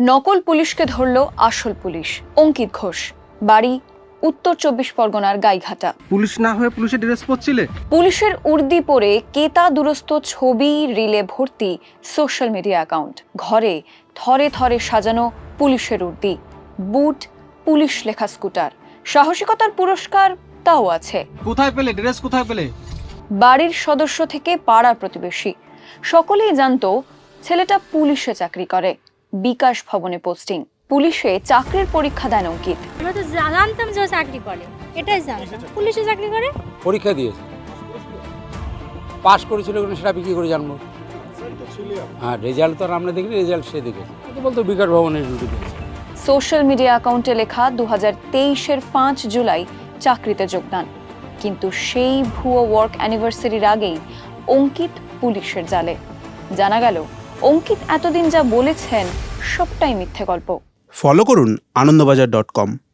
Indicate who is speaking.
Speaker 1: নকল পুলিশকে ধরল আসল পুলিশ। অঙ্কিত ঘোষ, বাড়ি উত্তর 24 পরগনার গাইঘাটা।
Speaker 2: পুলিশ না হয়ে পুলিশের ড্রেস পরছিলে?
Speaker 1: পুলিশের উর্দি পরে কেতা দুরস্ত ছবি রিলে ভর্তি সোশ্যাল মিডিয়া অ্যাকাউন্ট। ঘরে থরে থরে সাজানো পুলিশের উর্দি, বুট, পুলিশ লেখা স্কুটার। সাহসিকতার পুরস্কার তাও আছে।
Speaker 2: কোথায় পেলে ড্রেস? কোথায় পেলে?
Speaker 1: বাড়ির সদস্য থেকে পাড়ার প্রতিবেশী সকলেই জানতো ছেলেটা পুলিশে চাকরি করে। বিকাশ ভবনে পোস্টিং। পুলিশে চাকরির পরীক্ষা দেন অঙ্কিত।
Speaker 3: আমরা তো জানতাম যে ও চাকরি করে, এটাই জানতাম পুলিশে চাকরি করে।
Speaker 4: পরীক্ষা দিয়েছে, পাশ করেছিল কিনা সেটা কি করে জানবো? হ্যাঁ, রেজাল্ট তো আর আমরা দেখিনি, রেজাল্ট সে দেখেছে। বলতো বিকাশ ভবনের ডিউটি করেছে।
Speaker 1: সোশ্যাল মিডিয়া অ্যাকাউন্টে লেখা 2023-এর 5 জুলাই চাকরিতে যোগদান। কিন্তু সেই ভুয়ো ওয়ার্ক অ্যানিভার্সারির আগেই অঙ্কিত পুলিশের জালে। জানা গেল অঙ্কিত এতদিন যা বলেছেন সবটাই মিথ্যে গল্প।
Speaker 5: ফলো করুন আনন্দবাজার.com।